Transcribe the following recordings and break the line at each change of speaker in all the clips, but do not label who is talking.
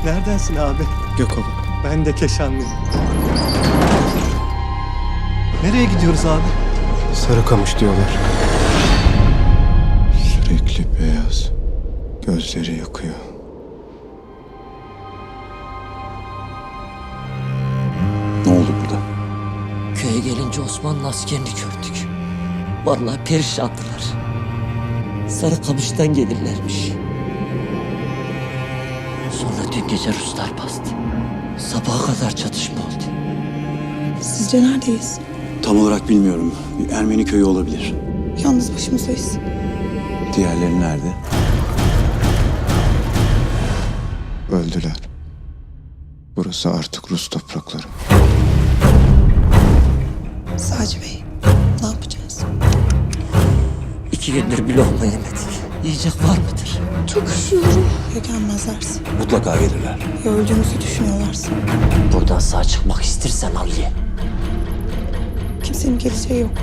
Neredensin abi?
Gökova.
Ben de Keşanlıyım. Nereye gidiyoruz abi?
Sarıkamış diyorlar.
Sürekli beyaz. Gözleri yakıyor.
Ne oldu burada?
Köye gelince Osmanlı askerini gördük. Vallahi perişandılar. Sarıkamış'tan gelirlermiş. Sonra dün gece Ruslar bastı. Sabaha kadar çatışma oldu.
Sizce neredeyiz?
Tam olarak bilmiyorum. Bir Ermeni köyü olabilir.
Yalnız başımızdayız.
Diğerleri nerede?
Öldüler. Burası artık Rus toprakları.
Sadece Bey, ne yapacağız?
2 gündür bir lokma yemedik. Yiyecek var mıdır?
Çok üşüyorum. Ya gelmezlerse?
Mutlaka gelirler.
Ya öldüğümüzü düşünüyorlarsa?
Buradan sağ çıkmak istersen al ye.
Kimsenin geleceği yok.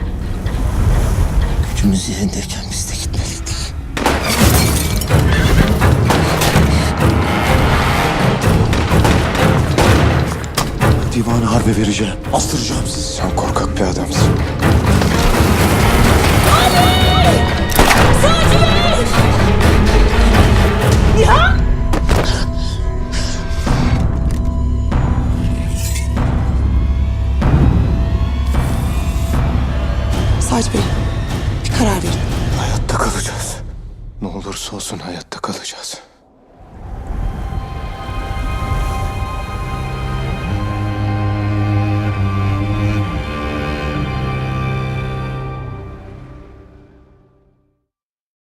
Gücümüz yerindeyken biz de gitmeliydik.
Divanı harbe vereceğim. Astıracağım sizi.
Sen korkak bir adamsın.
Sadece Bey, bir karar verin.
Hayatta kalacağız. Ne olursa olsun hayatta kalacağız.